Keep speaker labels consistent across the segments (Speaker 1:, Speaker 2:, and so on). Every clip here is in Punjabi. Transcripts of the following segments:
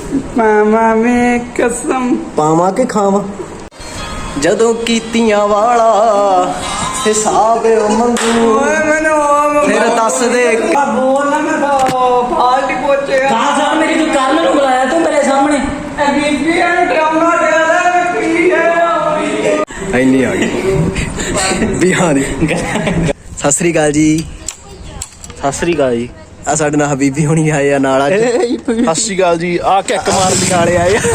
Speaker 1: मामा में कसम
Speaker 2: पावा के खावा जदों कीतियां वाला हिसाब मंगू फिर दस दे
Speaker 1: बोल ना मैं तो फाल्ट पोचे
Speaker 3: कहा साहब मेरी तू कल नूं बुलाया तू मेरे सामने
Speaker 1: बीबी ड्रामा डाला की है
Speaker 2: ਇੰਨੀ ਆ ਗਈ ਬਿਹਾਰੀ ਸਤਿ ਸ੍ਰੀ ਅਕਾਲ ਜੀ।
Speaker 3: ਸਤਿ ਸ੍ਰੀ ਅਕਾਲ ਜੀ।
Speaker 2: ਆ ਸਾਡੇ ਨਾਲ ਹਬੀਬੀ ਹੋਣੀ ਆਏ ਆ ਨਾਲ ਅੱਜ।
Speaker 4: ਸਤਿ ਸ਼੍ਰੀ ਅਕਾਲ ਜੀ। ਆ ਕਿੱਕ ਮਾਰਨ
Speaker 2: ਵਾਲੇ ਆਏ ਆ,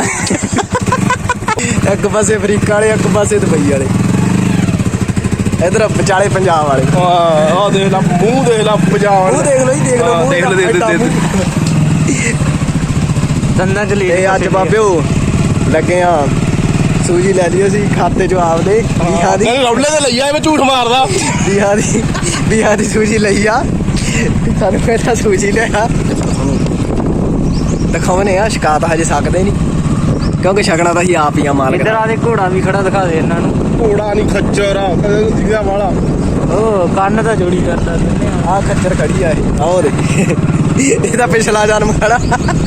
Speaker 2: ਇੱਕ ਪਾਸੇ ਅਫਰੀਕਾ ਵਾਲੇ ਇੱਕ ਪਾਸੇ ਦੁਬਈ ਵਾਲੇ, ਇਧਰ ਵਿਚਾਲੇ ਪੰਜਾਬ ਵਾਲੇ।
Speaker 4: ਆ ਦੇਖ ਲਾ ਮੂੰਹ, ਦੇਖ ਲਾ ਪੰਜਾਬ
Speaker 2: ਮੂੰਹ ਦੇਖ ਲੋ ਜੀ, ਦੇਖ ਲੋ
Speaker 4: ਦੇਖ ਲੈ
Speaker 3: ਦੰਦਾਂ ਚ ਲੈ
Speaker 2: ਤੇ ਅੱਜ ਬਾਬਿਓ ਲੱਗੇ ਆ ਸੂਜੀ ਲੈ ਲਿਓ ਸੀ ਖਾਤੇ ਚੋਂ ਆਪਦੇ ਬਿਹਾਰ ਦੀ।
Speaker 4: ਰੌਲੇ ਤੇ ਲਈ ਆ ਮੈਂ ਝੂਠ ਮਾਰਦਾ।
Speaker 2: ਬਿਹਾਰ ਦੀ ਸੂਜੀ ਲਈ ਆ, ਸਾਨੂੰ ਕਹਿੰਦਾ ਸੂਜੀ ਲਿਆ ਦਿਖਾਉਣੇ ਆ। ਸ਼ਿਕਾਇਤ ਹਜੇ ਸਕਦੇ ਨਹੀਂ ਕਿਉਂਕਿ ਛਕਣਾ ਤਾਂ ਅਸੀਂ ਆਪ ਹੀ ਆ ਮਾਲਕ।
Speaker 3: ਇੱਧਰ ਆ ਦੇ ਘੋੜਾ ਵੀ ਖੜਾ ਦਿਖਾ ਦੇ ਇਹਨਾਂ ਨੂੰ।
Speaker 4: ਘੋੜਾ ਨਹੀਂ ਖੱਚਰ ਆ ਜਿਹਦਾ ਵਾਲਾ
Speaker 3: ਓ ਕੰਨ ਤਾਂ ਜੋੜੀ ਕਰਦਾ ਦਿੰਦੇ
Speaker 2: ਆ ਖੱਚਰ ਖੜੀ ਆ ਇਹ। ਆਹ ਦੇ ਇਹ ਤਾਂ ਪਿਛਲਾ ਜਨਮ ਖੜਾ।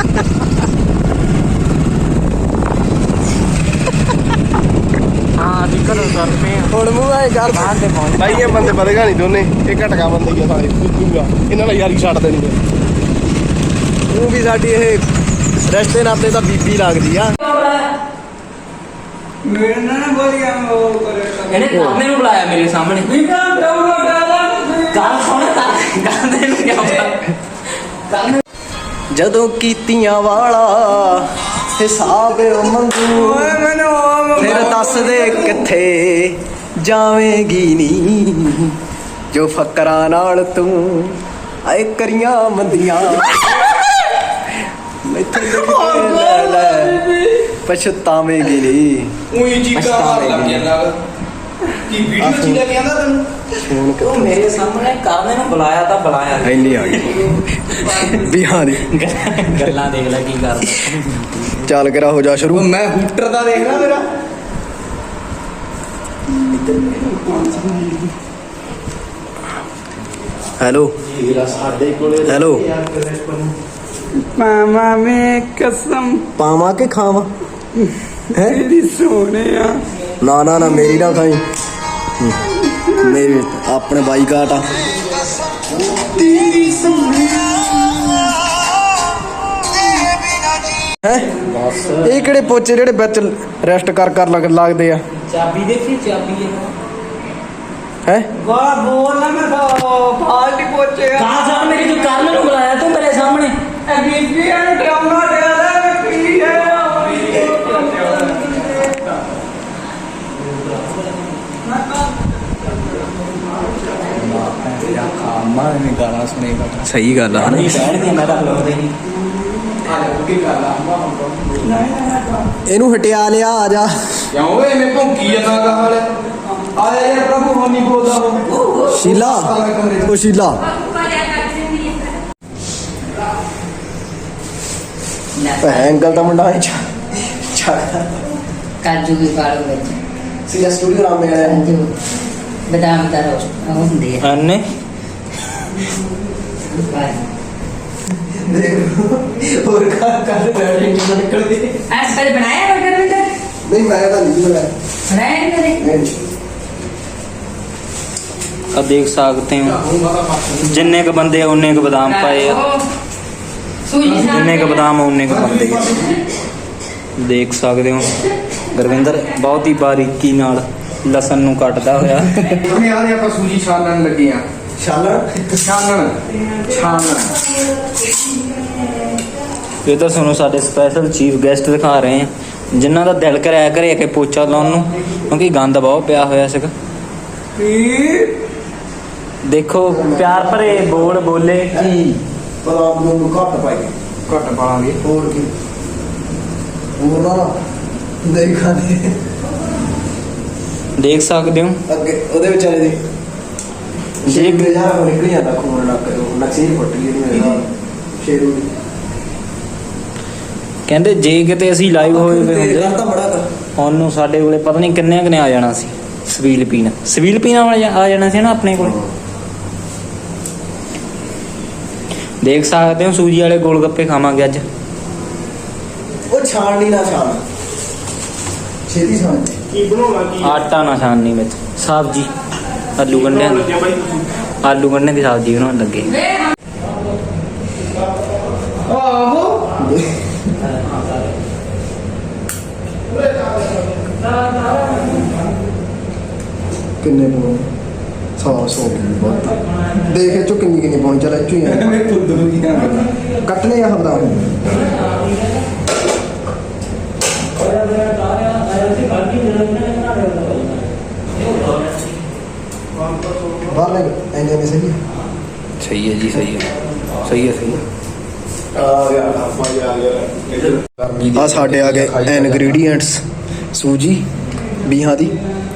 Speaker 3: ਹਾਂ ਅਸੀਂ ਘਰੋਂ ਤੁਰ ਪਏ ਆ।
Speaker 2: ਹੁਣ ਮੂੰਹ ਆਏ ਕਰ
Speaker 3: ਬਾਹਰ ਤੇ ਪਹੁੰਚ
Speaker 4: ਬਾਈ ਇਹ ਬੰਦੇ ਵਧੇਗਾ ਨਹੀਂ ਦੋਨੇ, ਇਹ ਘਟਕਾ ਬੰਦੇ ਹੀ ਆ ਸਾਰੇ ਦੂਜਾ। ਇਹਨਾਂ ਨਾਲ ਯਾਰੀ ਛੱਡ ਦੇਣੀ ਹੈ।
Speaker 2: ਉਹ ਵੀ ਸਾਡੀ ਇਹ ਰਿਸ਼ਤੇ ਨਾਤੇ ਤਾਂ ਬੀਬੀ ਲੱਗਦੀ ਆ।
Speaker 1: मेरे ना बोलिया वो करे
Speaker 3: ਇਹਨੇ ਕਾਮੇ ਨੂੰ ਬੁਲਾਇਆ ਮੇਰੇ ਸਾਹਮਣੇ।
Speaker 1: बीबी ड्रामा डाला
Speaker 3: ਗੱਲ ਸੁਣ ਗਾਂਦੇ ਨੂੰ ਕਿਉਂ ਬੁਲਾਇਆ?
Speaker 2: ਜਦੋਂ ਕੀਤੀਆਂ ਵਾਲਾ ਹਿਸਾਬ ਮੰਗੂ ਫਿਰ ਦੱਸ ਦੇ ਕਿੱਥੇ ਜਾਵੇਂਗੀ ਨੀ, ਜੋ ਫਕਰਾਂ ਨਾਲ ਤੂੰ ਆਏ ਕਰੀਆਂ ਮੰਦੀਆਂ ਮੈਥੋਂ ਲੈ ਲੈ ਪਛਤਾਵੇਂਗੀ ਨੀ।
Speaker 4: ਉਹੀ ਚੀਕਾਂ ਮਾਰ ਲੱਗ ਜਾਂਦਾ ਕੀ ਵੀਡੀਓ ਚ ਲੈ ਕੇ ਆਂਦਾ ਤੈਨੂੰ।
Speaker 2: ਹੁਣ
Speaker 3: ਉਹ ਮੇਰੇ ਸਾਹਮਣੇ ਕਾਮੇ ਨੂੰ ਬੁਲਾਇਆ ਤਾਂ ਬੁਲਾਇਆ ਨਹੀਂ।
Speaker 2: ਇੰਨੀ ਆ ਗਈ ਬਿਹਾਰੀ।
Speaker 3: ਗੱਲਾਂ ਦੇਖ ਲੈ ਕੀ ਕਰਦਾ।
Speaker 2: ਚੱਲ ਕਰਾ ਹੋ ਜਾ ਸ਼ੁਰੂ।
Speaker 4: ਮੈਂ ਹੂਟਰ ਦਾ ਦੇਖ ਲੈ ਮੇਰਾ।
Speaker 2: ਹੈਲੋ
Speaker 4: ਸਾਡੇ ਕੋਲੇ
Speaker 2: ਹੈਲੋ
Speaker 1: मामा में कसम
Speaker 2: ਪਾਵਾਂ ਕੇ ਖਾਵਾਂ ਹੈ?
Speaker 1: तेरी सोने
Speaker 2: ਨਾ ਨਾ ਨਾ ਮੇਰੀ ਨਾ ਖਾਈ, ਮੇਰੇ ਆਪਣੇ ਬਾਈਕਾਟ ਆ। ਹੈ ਇਹ ਕਿਹੜੇ ਪੋਚੇ ਜਿਹੜੇ ਵਿੱਚ ਰੈਸਟ ਕਰ ਲੱਗਦੇ ਆ
Speaker 3: ਚਾਬੀ ਦੇਖੀ ਚਾਬੀ
Speaker 2: ਹੈ?
Speaker 1: वाह बोल ना मैं तो फाल्ट पोचे
Speaker 3: ਕहा साहब मेरी तू कल नूं बुलाया तू मेरे सामने
Speaker 1: बीबी ड्रामा डाला की है
Speaker 2: ਸਹੀ ਗੱਲ ਆ ਹਨਾ?
Speaker 3: ਮੈਂ ਤਾਂ ਬੁਲਾਉਂਦਾ ਹੀ ਨਹੀਂ।
Speaker 2: ਇਹਨੂੰ ਹਟਿਆ ਲਿਆ ਆ ਜਾ।
Speaker 4: ਕਿਉਂ ਓਏ ਮੈਂ ਭੌਂਕੀ ਜਾਂਦਾ ਦਾ ਹਾਲ ਆਇਆ ਯਾਰ ਪ੍ਰਭੂ ਹੋਣੀ ਬੋਲਦਾ ਉਹ
Speaker 2: ਸ਼ੀਲਾ ਉਹ ਸ਼ੀਲਾ ਐਂਗਲ ਦਾ ਮੁੰਡਾ ਹੈ
Speaker 5: ਕਾਜੂ ਵੀ ਪਾਲੋ ਵਿੱਚ
Speaker 2: ਸੀਰੀਅਸ ਸਟੂਡੀਓ ਨਾਮ ਹੈ
Speaker 5: ਕਾਜੂ ਬਦਾਮ ਦਾ ਰੋਸ ਉਹ ਹੁੰਦੇ ਆ
Speaker 3: ਅੰਨੇ
Speaker 2: ਹੋਰ ਕਰ ਰੈਡੀ ਨਿਕਲਦੀ
Speaker 5: ਅੱਜ ਪਹਿਲੇ ਬਣਾਇਆ ਬਰਗਰ ਵਿੱਚ
Speaker 2: ਨਹੀਂ ਮੈਂ ਤਾਂ ਨਹੀਂ ਬਣਾਇਆ
Speaker 5: ਬਣਾਇਆ ਕਦੇ
Speaker 2: ਨਹੀਂ।
Speaker 3: ਆ ਦੇਖ ਸਕਦੇ ਹੋ ਜਿੰਨੇ ਕ ਬੰਦੇ ਆ ਉਨੇ ਕ ਬਦਾਮ ਪਾਏ ਆ।
Speaker 5: ਸੂਜੀ
Speaker 3: ਜਿੰਨੇ ਕ ਬਦਾਮ ਆ ਉਨੇ ਕ ਬੰਦੇ ਆ। ਦੇਖ ਸਕਦੇ ਹੋ ਗੁਰਵਿੰਦਰ ਬਹੁਤ ਹੀ ਬਾਰੀਕੀ ਨਾਲ ਲਸਣ ਨੂੰ ਕੱਟਦਾ ਹੋਇਆ।
Speaker 4: ਉਹਨੇ ਆਦੇ ਆਪਾਂ ਸੂਜੀ ਛਾਣਨ ਲੱਗੇ ਆ।
Speaker 2: ਸ਼ਾਲਰ
Speaker 4: ਛਾਣਨ
Speaker 3: ਇਹ ਤਾਂ ਤੁਹਾਨੂੰ ਸਾਡੇ ਸਪੈਸ਼ਲ ਚੀਫ ਗੈਸਟ ਦਿਖਾ ਰਹੇ ਆ ਜਿਨ੍ਹਾਂ ਦਾ ਦਿਲ ਕਰਿਆ ਕਰੇ ਕਿ ਪੋਚਾ ਲਾਉਣ ਨੂੰ ਕਿਉਂਕਿ ਗੰਦ ਬਹੁਤ ਪਿਆ ਹੋਇਆ ਸੀਗਾ। ਦੇਖੋ ਪਿਆਰ ਭਰੇ ਬੋਲ ਬੋਲੇ
Speaker 2: ਕੀ ਬਦਾਮ ਨੂੰ ਘੱਟ ਪਾਈ,
Speaker 4: ਘੱਟ ਪਾਵਾਂਗੇ।
Speaker 2: ਹੋਰ ਕੀ ਹੋਰ ਨਾ ਦੇਖਾਂ
Speaker 3: ਦੇਖ ਸਕਦੇ ਹੋ।
Speaker 2: ਅੱਗੇ ਉਹਦੇ ਵਿਚਾਰੇ ਦੇ
Speaker 3: ਜੇ
Speaker 2: ਯਾਰ ਨਿਕਲ ਜਾਂਦਾ ਖੂਨ ਲੱਗ ਨਕਸੀ ਫੁੱਟ ਗਈ ਮੇਰੇ ਨਾਲ ਸ਼ੇਰੂ ਦੀ।
Speaker 3: ਕਹਿੰਦੇ ਜੇ ਕਿਤੇ ਅਸੀਂ ਲਾਈਵ ਹੋਏ ਵੇ ਹੁੰਦੇ
Speaker 2: ਤਾਂ ਬੜਾ ਕਰ
Speaker 3: ਉਹਨੂੰ ਸਾਡੇ ਕੋਲੇ ਪਤਾ ਨਹੀਂ ਕਿੰਨੇ ਕਨੇ ਆ ਜਾਣਾ ਸੀ। ਸਵੀਲ ਪੀਣਾ ਵਾਲਾ ਆ ਜਾਣਾ ਸੀ ਨਾ ਆਪਣੇ ਕੋਲ। ਦੇਖ ਸਕਦੇ ਹੋ ਸੂਜੀ ਵਾਲੇ ਗੋਲ ਗੱਪੇ ਖਾਵਾਂਗੇ ਅੱਜ।
Speaker 2: ਉਹ ਛਾਣਨੀ ਨਾ ਛਾਣ ਛੇਤੀ ਛਾਣ
Speaker 3: ਆਟਾ ਨਾ ਛਾਣਨੀ ਵਿੱਚ ਸਬਜ਼ੀ ਆਲੂ ਗੰਢਿਆਂ ਦੀ ਆਲੂ ਗੰਢਿਆਂ ਦੀ ਸਬਜ਼ੀ ਬਣਾਉਣ ਲੱਗੇ
Speaker 4: ਆਹੋ
Speaker 2: ਕਿੰਨੇ ਪਾਉਣੇ 100 ਬਹੁਤ ਦੇਖ ਇਹ ਚੋਂ ਕਿੰਨੀ ਪਾਉਣੀ ਚੱਲ ਇੱਥੋਂ ਹੀ ਆ
Speaker 4: ਮੈਂ ਖੁਦ ਨੂੰ ਕੀ ਕਰਨਾ
Speaker 2: ਕੱਟਨੇ ਆ ਹਮਦਾ ਬਾਹਰ ਲੈ ਐਨੇ ਐਨੇ ਸਹੀ
Speaker 3: ਸਹੀ ਹੈ ਜੀ ਸਹੀ ਹੈ ਸਹੀ ਹੈ ਸਹੀ ਹੈ
Speaker 2: ਆ ਸਾਡੇ ਆ ਗਏ ਇਨਗਰੀਡੀਐਂਟਸ ਸੂਜੀ ਬੀਹਾਂ ਦੀ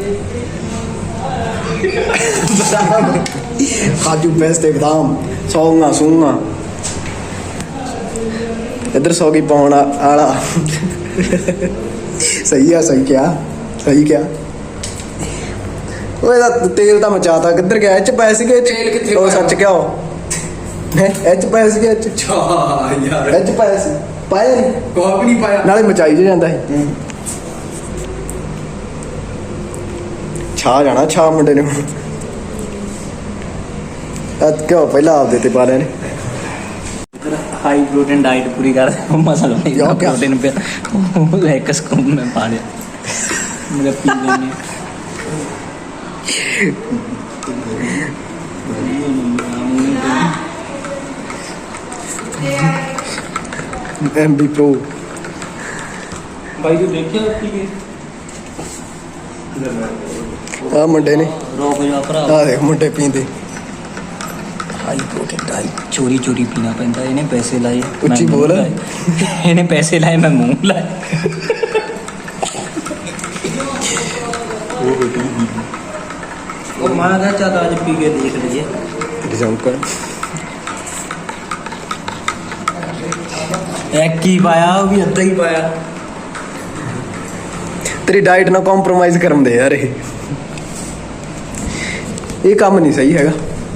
Speaker 2: ਕਾਜੂ ਪੇਸਤੇ ਬਦਾਮ ਸੌਂਗਾ इधर सौ की पाउन आला सही है सही क्या ओए तेल तो मचाता किधर गया एच पैसे के तेल किथे ओ सच क्या हो एच पैसे के एच
Speaker 4: यार
Speaker 2: एच पैसे पाया नहीं
Speaker 4: कोई भी नहीं पाया
Speaker 2: नाले मचाई जे जांदा है छा जाना छा मुंडे ने क्यों पहला आप देते पा रहे ने
Speaker 3: हाई प्रोटीन डाइट पूरी कर मसाला नहीं
Speaker 2: क्या?
Speaker 3: प्रोटीन पे एक स्कूप में पा दिया मेरा पी लेने
Speaker 2: MB Pro
Speaker 3: भाई तू देखिए पी के
Speaker 2: आ मुंडे ने
Speaker 3: रोक जा भरा
Speaker 2: आ देख मुंडे पींदे
Speaker 3: हाई प्रोटीन डाइट चोरी चोरी पीना पैंदा इन्हें पैसे लाए
Speaker 2: ਉੱਚੀ ਬੋਲ।
Speaker 3: इन्हें पैसे लाए मैं मुंह लाए ਉਹ ਮਾਂ ਦਾ ਚਾਹ ਅੱਜ ਪੀ ਕੇ ਦੇਖ ਲਈਏ
Speaker 2: रिजल्ट कर
Speaker 3: ਇੱਕ ਹੀ ਪਾਇਆ ਉਹ ਵੀ ਅੱਧਾ ਹੀ ਪਾਇਆ
Speaker 2: तेरी डाइट ना कॉम्प्रोमाइज करन दे यार ये काम नहीं सही हैगा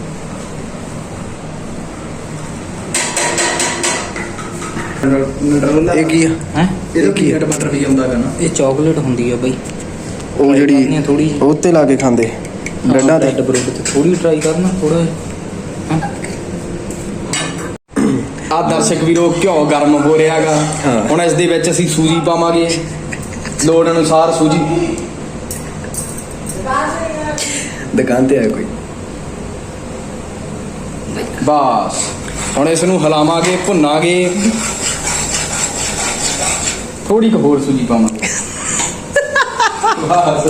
Speaker 2: ਇਹ ਕੀ ਆ
Speaker 3: ਹੈ
Speaker 4: ਇਹਦਾ ਪੀਨਟ ਬਟਰ ਵੀ ਆਉਂਦਾ ਗਾ ਨਾ
Speaker 3: ਇਹ ਚਾਕਲੇਟ ਹੁੰਦੀ ਆ ਬਈ
Speaker 2: ਉਹ ਜਿਹੜੀ
Speaker 3: ਥੋੜੀ
Speaker 2: ਉਹ ਤੇ ਲਾ ਕੇ ਖਾਂਦੇ ਡੰਡਾ ਤੇ
Speaker 3: ਬ੍ਰੈਡ ਤੇ ਥੋੜੀ ਟਰਾਈ ਕਰਨਾ ਥੋੜਾ
Speaker 4: ਆ ਦਰਸ਼ਕ ਵੀਰੋ ਘਿਓ ਗਰਮ ਹੋ ਰਿਹਾਗਾ
Speaker 2: ਹਾਂ।
Speaker 4: ਹੁਣ ਇਸ ਦੇ ਵਿੱਚ ਅਸੀਂ ਸੂਜੀ ਪਾਵਾਂਗੇ ਲੋੜ ਅਨੁਸਾਰ ਸੂਜੀ
Speaker 2: ਦੁਕਾਨ ਤੇ ਆਇਆ ਕੋਈ
Speaker 4: ਬਸ ਹੁਣ ਇਸ ਨੂੰ ਹਿਲਾਵਾਂਗੇ ਭੁੰਨਾਂਗੇ ਥੋੜੀ ਕੁ ਹੋਰ ਸੂਜੀ ਪਾਵਾਂਗੇ ਬਸ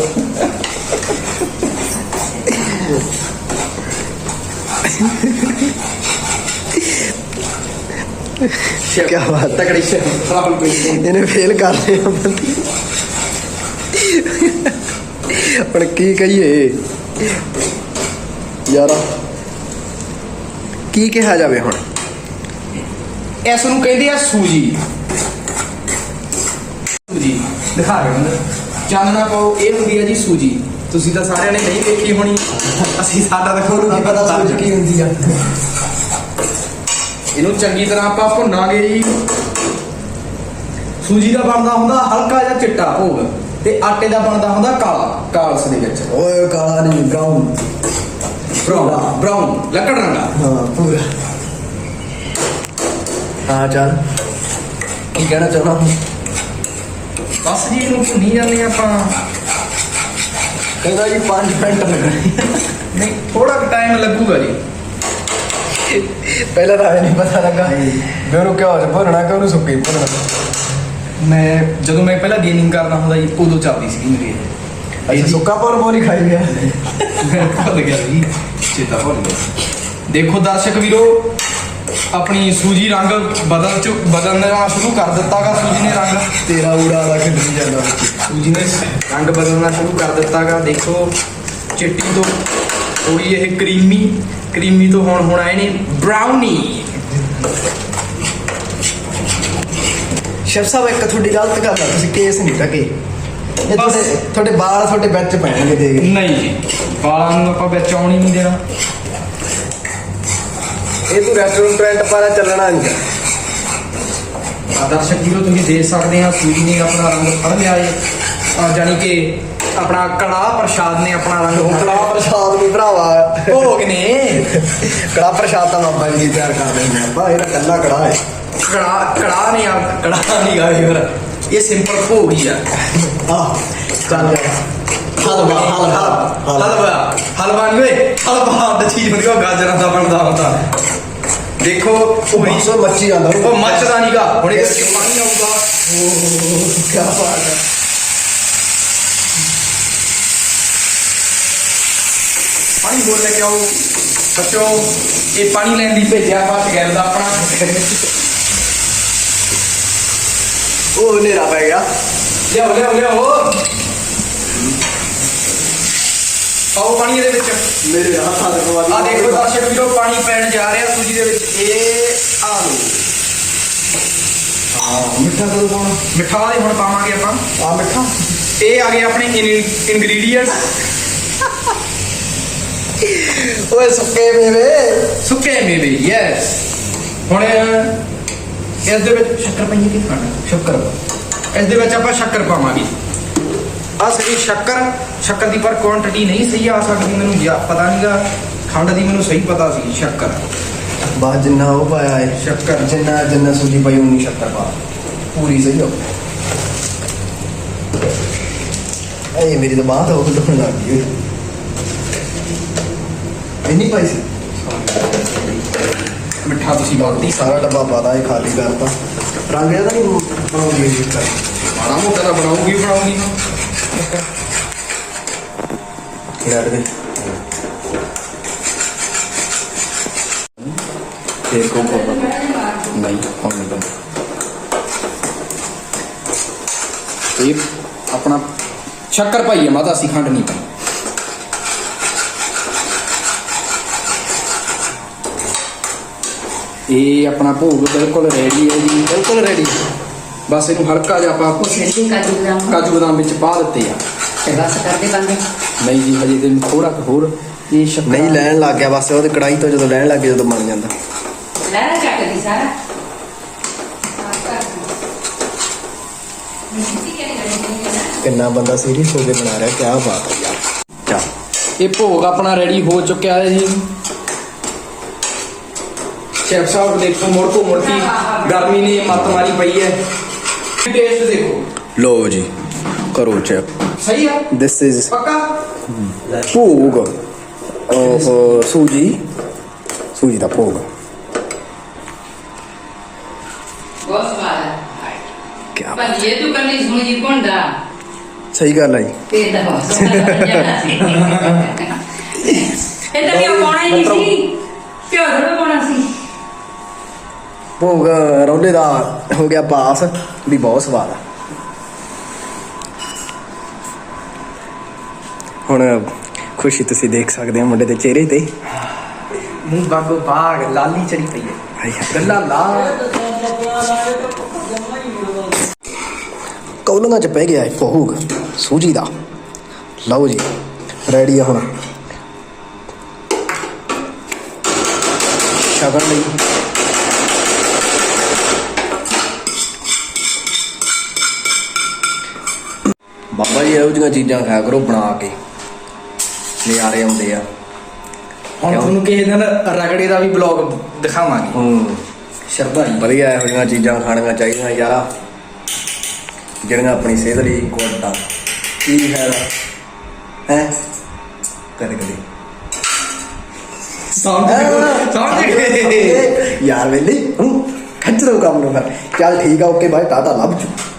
Speaker 2: ਕੀ ਬਾਤ
Speaker 4: ਤਕੜੀ ਸ਼ਰਾਬ ਕੋਈ
Speaker 2: ਇਹਨੇ ਫੇਲ ਕਰ ਲਿਆ ਬੰਦੀ ਹੁਣ ਕੀ ਕਹੀਏ ਯਾਰਾ ਕੀ ਕਿਹਾ ਜਾਵੇ ਹੁਣ
Speaker 4: ਇਸ ਨੂੰ ਕਹਿੰਦੇ ਆ ਸੂਜੀ ਸੂਜੀ ਦਿਖਾ ਰਹੇ ਹੋ ਚਾਨਣਾ ਪਾਓ ਇਹ ਹੁੰਦੀ ਹੈ ਜੀ ਸੂਜੀ ਤੁਸੀਂ ਤਾਂ ਸਾਰਿਆਂ ਨੇ ਨਹੀਂ ਦੇਖੀ ਹੋਣੀ ਅਸੀਂ ਸਾਡਾ ਤਾਂ ਖੋਲੂ ਕੀ ਪਤਾ ਸੂਜੀ ਕੀ
Speaker 2: ਹੁੰਦੀ ਆ
Speaker 4: ਇਹਨੂੰ ਚੰਗੀ ਤਰ੍ਹਾਂ ਆਪਾਂ ਭੁੰਨਾਂਗੇ ਜੀ ਸੂਜੀ ਦਾ ਬਣਦਾ ਹੁੰਦਾ ਹਲਕਾ ਜਿਹਾ ਚਿੱਟਾ ਭੋਗ ਤੇ ਆਟੇ ਦਾ ਬਣਦਾ ਹੁੰਦਾ ਕਾਲਾ ਕਾਲਸ ਦੇ ਵਿੱਚ
Speaker 2: ਓਏ ਕਾਲਾ ਨਹੀਂ ਬ੍ਰਾਊਨ
Speaker 4: ਬ੍ਰਾਊਨ ਲੱਕੜ ਰੰਗਾ
Speaker 2: ਹਾਂ ਪੂਰਾ ਹਾਂ ਚੱਲ ਕੀ ਕਹਿਣਾ ਚਾਹਣਾ
Speaker 4: ਬਸ ਜੀ ਇਹਨੂੰ ਭੁੰਨੀ ਜਾਂਦੇ ਆਪਾਂ
Speaker 2: ਕਹਿੰਦਾ ਜੀ 5 ਮਿੰਟ ਲੱਗਣੇ
Speaker 4: ਨਹੀਂ ਥੋੜਾ ਟਾਈਮ ਲੱਗੂਗਾ ਜੀ
Speaker 2: ਪਹਿਲਾਂ ਤਾਂ ਨਹੀਂ ਪਤਾ ਲੱਗਾ ਵੀ ਉਹਨੂੰ ਕਿਉਂ ਭਰਨਾ ਕਿ ਉਹਨੂੰ ਸੁੱਕੀ ਭਰਨਾ
Speaker 4: ਮੈਂ ਜਦੋਂ ਮੈਂ ਪਹਿਲਾਂ ਗੇਮਿੰਗ ਕਰਦਾ ਹੁੰਦਾ ਜੀ ਉਦੋਂ ਚੱਲਦੀ ਸੀ ਮੇਰੀ
Speaker 2: ਅੱਛਾ ਸੁੱਕਾ ਪੌਰ ਬੋਲੀ ਖਾਈ ਗਿਆ
Speaker 4: ਭੁੱਲ ਗਿਆ ਜੀ ਚੇਤਾ ਭੁੱਲ ਗਿਆ ਦੇਖੋ ਦਰਸ਼ਕ ਵੀਰੋ ਆਪਣੀ ਸੂਜੀ ਰੰਗ ਬਦਲਣਾ ਸ਼ੁਰੂ ਕਰ ਦਿੱਤਾਗਾ ਸੂਜੀ ਨੇ ਰੰਗ
Speaker 2: ਤੇਰਾ ਊੜਾ ਦਾ ਖਿੱਲੀ ਜਾਂਦਾ
Speaker 4: ਸੂਜੀ ਨੇ ਰੰਗ ਬਦਲਣਾ ਸ਼ੁਰੂ ਕਰ ਦਿੱਤਾਗਾ ਦੇਖੋ ਚਿੱਟੀ ਤੋਂ ਥੋੜੀ ਇਹ ਕਰੀਮੀ ਤੋਂ ਹੁਣ ਹੋਣਾ ਇਹਨੇ ਬ੍ਰਾਊਨੀ
Speaker 2: ਸ਼ੈਫ ਸਾਹਿਬ ਇੱਕ ਤੁਹਾਡੀ ਗਲਤ ਗੱਲ ਆ ਤੁਸੀਂ ਕੇਸ ਨਹੀਂ ਟਕੇ ਇਹ ਤੁਹਾਡੇ ਵਾਲ ਤੁਹਾਡੇ ਵਿੱਚ ਪੈਣਗੇ ਦੇਖ
Speaker 4: ਨਹੀਂ ਜੀ ਵਾਲਾਂ ਨੂੰ ਆਪਾਂ ਵਿੱਚ ਆਉਣ ਹੀ ਨਹੀਂ ਦੇਣਾ
Speaker 2: ਇਹ ਤੂੰ ਰੈਸਟੋਰੈਂਟ ਪਾਰਾ ਚੱਲਣਾ ਨਹੀਂ
Speaker 4: ਦਰਸ਼ਕ ਵੀਰੋ ਤੁਸੀਂ ਦੇਖ ਸਕਦੇ ਆ ਸੂਜੀ ਨੇ ਆਪਣਾ ਰੰਗ ਫੜ ਲਿਆ ਏ ਜਾਨੀ ਕਿ ਆਪਣਾ ਕੜਾਹ ਪ੍ਰਸ਼ਾਦ ਨੇ ਆਪਣਾ ਰੰਗ ਫੜ
Speaker 2: ਕੜਾ
Speaker 4: ਲਿਆ
Speaker 2: ਪ੍ਰਸ਼ਾਦ ਨਹੀਂ ਭਰਾਵਾ
Speaker 4: ਭੋਗ ਨੇ
Speaker 2: ਕੜਾ ਪ੍ਰਸ਼ਾਦ ਤਾਂ ਬਾਬਾ ਜੀ ਤਿਆਰ ਕਰ ਦਿੰਦੇ ਆ ਬਾ ਇਹਦਾ ਕੱਲਾ ਕੜਾ ਹੈ
Speaker 4: ਕੜਾਹ ਨਹੀਂ ਆ ਕੜਾਹ ਨਹੀਂ ਗਾ ਫਿਰ ਇਹ ਸਿੰਪਲ ਭੋਗ ਹੀ ਆ
Speaker 2: ਆਹ ਚੱਲ ਹਲਵਾ
Speaker 4: ਹਲਵਾ ਨਹੀਂ ਓਏ ਹਲਵਾ ਦਾ ਚੀਜ਼ ਹੁੰਦੀ ਉਹ ਗਾਜਰਾਂ ਦਾ ਬਣਦਾ ਹੁੰਦਾ ਦੇਖੋ
Speaker 2: ਉਹ ਮਾਸੋ ਮੱਚੀ ਜਾਂਦਾ
Speaker 4: ਉਹ ਮੱਚਦਾ ਨਹੀਂਗਾ ਹੁਣ ਇਹਦੇ ਵਿੱਚ ਪਾਣੀ ਆਊਗਾ
Speaker 2: ਕੀ ਬਾਤ ਹੈ
Speaker 4: ਪਾਣੀ ਬੋਲ ਲੈ ਕੇ ਆਓ ਬੱਚੋ ਇਹ ਪਾਣੀ ਲੈਣ ਦੀ ਭੇਜਿਆ ਬਾਤ ਗੈਰ ਦਾ ਆਪਣਾ
Speaker 2: ਉਹ ਹਨੇਰਾ ਪੈ ਗਿਆ
Speaker 4: ਲਿਆਓ ਆਓ ਪਾਣੀ ਇਹਦੇ ਵਿੱਚ
Speaker 2: ਮੇਰੇ ਹੱਥਾਂ ਦੇ ਕੋਲ
Speaker 4: ਆ ਦੇਖੋ ਦਰਸ਼ਕ ਵੀਰੋ ਪਾਣੀ ਪੈਣ ਜਾ ਰਿਹਾ ਸੂਜੀ ਦੇ ਵਿੱਚ ਇਹ ਆ ਲਓ
Speaker 2: ਹਾਂ ਮਿੱਠਾ ਕਦੋਂ ਪਾਉਣਾ
Speaker 4: ਮਿੱਠਾ ਵਾਲੇ ਹੁਣ ਪਾਵਾਂਗੇ ਆਪਾਂ
Speaker 2: ਆ ਮਿੱਠਾ
Speaker 4: ਇਹ ਆ ਗਏ ਆਪਣੇ ਇਨਗਰੀਡੀਅੰਟਸ
Speaker 2: ਓਏ ਸੁੱਕੇ ਮੇਵੇ
Speaker 4: ਸੁੱਕੇ ਮੇਵੇ ਯੈਸ ਹੁਣ ਇਸ ਦੇ ਵਿੱਚ ਸ਼ੱਕਰ ਪਾਈਏ ਕਿ ਸ਼ੱਕਰ ਇਸ ਦੇ ਵਿੱਚ ਆਪਾਂ ਸ਼ੱਕਰ ਪਾਵਾਂਗੇ ਆ ਸਹੀ ਸ਼ੱਕਰ ਦੀ ਪਰ ਕੁਆਂਟੀਟੀ ਨਹੀਂ ਸਹੀ ਆ ਸਕਦੀ ਮੈਨੂੰ ਪਤਾ ਨਹੀਂਗਾ ਖੰਡ ਦੀ ਮੈਨੂੰ ਸਹੀ ਪਤਾ ਸੀ ਸ਼ੱਕਰ
Speaker 2: ਬਾਅਦ ਜਿੰਨਾ ਉਹ ਪਾਇਆ ਹੈ
Speaker 4: ਸ਼ੱਕਰ
Speaker 2: ਜਿੰਨਾ ਸੂਜੀ ਪਾਈ ਉਨੀ ਸ਼ੱਕਰ ਪਾ ਪੂਰੀ ਸਹੀ ਹੋ ਇਹ ਮੇਰੀ ਤਾਂ ਬਾਤ ਹੋ ਗਈ ਲੱਗ ਗਈ ਇੰਨੀ ਪਾਈ ਸੀ
Speaker 4: ਮਿੱਠਾ ਤੁਸੀਂ ਬਾਲਟੀ
Speaker 2: ਸਾਰਾ ਡੱਬਾ ਪਾਦਾ ਇਹ ਖਾਲੀ ਕਰਤਾ ਰੰਗ ਇਹਦਾ ਨਹੀਂ ਬਣਾਉਂਦੀ ਜੀ ਕਰ
Speaker 4: ਮਾੜਾ ਮੋਟਾ ਤਾਂ ਬਣਾਉਗੀ
Speaker 2: ਲੈਟ ਦੇ
Speaker 3: ਫੇਰ ਕੋ ਨਹੀਂ ਹੁਣ ਨਹੀਂ
Speaker 4: ਇਹ ਆਪਣਾ ਸ਼ੱਕਰ ਪਾਈਏ ਮਾਤਾ ਅਸੀਂ ਖੰਡ ਨਹੀਂ ਪਾਈ ਇਹ ਆਪਣਾ ਭੋਗ ਬਿਲਕੁਲ ਰੈਡੀ ਹੈ ਜੀ
Speaker 2: ਬਿਲਕੁਲ ਰੈਡੀ
Speaker 4: ਬਸ ਇਹਨੂੰ ਹਲਕਾ ਜਿਹਾ ਆਪਾਂ
Speaker 5: ਛੇਤੀ
Speaker 4: ਕਾਜੂ ਬਦਾਮ ਵਿੱਚ ਪਾ ਦਿੱਤੇ ਆ
Speaker 5: ਤੇ ਬਸ ਕਰਦੇ ਬੰਦੇ
Speaker 4: ਨਹੀਂ ਜੀ ਹਜੇ ਤੇ ਥੋੜਾ ਹੋਰ ਇਹ ਸ਼ੱਕਰ
Speaker 2: ਨਹੀਂ ਲੈਣ ਲੱਗ ਗਿਆ ਬਸ ਉਹਦੇ ਕੜਾਈ ਤੋਂ ਜਦੋਂ ਲੈਣ ਲੱਗ ਗਿਆ ਜਦੋਂ ਬਣ ਜਾਂਦਾ
Speaker 5: ਲੈ ਚੱਕਦੀ ਸਾਰਾ
Speaker 2: ਕਿੰਨਾ ਬੰਦਾ ਸੀਰੀਅਸ ਹੋ ਕੇ ਬਣਾ ਰਿਹਾ ਕਿਆ ਬਾਤ ਹੈ ਯਾਰ ਚੱਲ
Speaker 4: ਇਹ ਭੋਗ ਆਪਣਾ ਰੈਡੀ ਹੋ ਚੁੱਕਿਆ ਹੈ ਜੀ ਸ਼ੈਫ ਸਾਹਿਬ ਦੇਖੋ ਮੁੜ ਕੇ ਗਰਮੀ ਨੇ ਮੱਤ ਮਾਰੀ ਪਈ ਹੈ ਟੇਸਟ ਦੇਖੋ
Speaker 2: ਲੋ ਜੀ ਕਰੋ ਚੈੱਕ
Speaker 4: ਸਹੀ ਆ
Speaker 2: ਦਿਸ ਇਜ਼
Speaker 4: ਪੱਕਾ
Speaker 2: ਭੋਗ ਉਹ ਸੂਜੀ ਦਾ ਭੋਗ
Speaker 5: ਬਹੁਤ ਸਵਾਦ ਹੈ
Speaker 2: ਕਿਆ
Speaker 5: ਪਰ ਇਹ ਤੂੰ ਕੰਨੀ ਸੁਣੀ ਕੋਂਡਾ
Speaker 2: ਸਹੀ ਗੱਲ ਹੈ ਜੀ
Speaker 5: ਤੇ ਦਾ ਬਹੁਤ ਸਵਾਦ ਜਾਣਾ ਸੀ ਇਹ ਤਾਂ ਕਿਉਂ ਪਾਉਣਾ ਹੀ ਨਹੀਂ ਸੀ ਕਿਉਂ ਥੋੜਾ ਪਾਉਣਾ ਸੀ
Speaker 2: ਭੋਗ ਰੌਲੇ ਦਾ ਹੋ ਗਿਆ ਪਾਸ ਵੀ ਬਹੁਤ ਸਵਾਦ ਆ ਹੁਣ ਖੁਸ਼ੀ ਤੁਸੀਂ ਦੇਖ ਸਕਦੇ ਹੋ ਮੁੰਡੇ ਦੇ ਚਿਹਰੇ ਤੇ
Speaker 4: ਮੂੰਹ ਬਾਗੋ ਬਾਗ ਲਾਲੀ ਚੜੀ ਪਈ ਹੈ
Speaker 2: ਹਾਏ ਹਾਏ।
Speaker 4: ਗੱਲਾਂ ਲਾ
Speaker 2: ਕੌਲੀਆਂ ਚ ਪੈ ਗਿਆ ਹੈ ਭੋਗ ਸੂਜੀ ਦਾ ਲਓ ਜੀ ਰੈਡੀ ਆ ਹੁਣ ਸ਼ਗਨ ਲਈ ਬਾਬਾ ਜੀ ਇਹੋ ਜਿਹੀਆਂ ਚੀਜ਼ਾਂ ਖਾਇਆ ਕਰੋ ਬਣਾ ਕੇ ਨਜ਼ਾਰੇ ਆਉਂਦੇ ਆ
Speaker 4: ਹੁਣ ਤੁਹਾਨੂੰ ਕਿਸੇ ਦਿਨ ਰਗੜੇ ਦਾ ਵੀ ਬਲੌਗ ਦਿਖਾਵਾਂਗੇ ਸ਼ਰਧਾ ਜੀ
Speaker 2: ਵਧੀਆ ਇਹੋ ਜਿਹੀਆਂ ਚੀਜ਼ਾਂ ਖਾਣੀਆਂ ਚਾਹੀਦੀਆਂ ਯਾਰਾ ਜਿਹੜੀਆਂ ਆਪਣੀ ਸਿਹਤ ਲਈ ਗੁੱਡ ਆ ਕੀ ਫਾਇਦਾ ਹੈ ਕਦੇ ਕਦੇ
Speaker 4: ਸਮਝ ਗਏ
Speaker 2: ਯਾਰ ਵੇਲੇ ਖੱਚ ਦੋ ਕੰਮ ਨੂੰ ਫਿਰ ਚੱਲ ਠੀਕ ਆ ਓਕੇ ਬਾਏ ਟਾਟਾ ਲੱਭ ਚੁੱਕ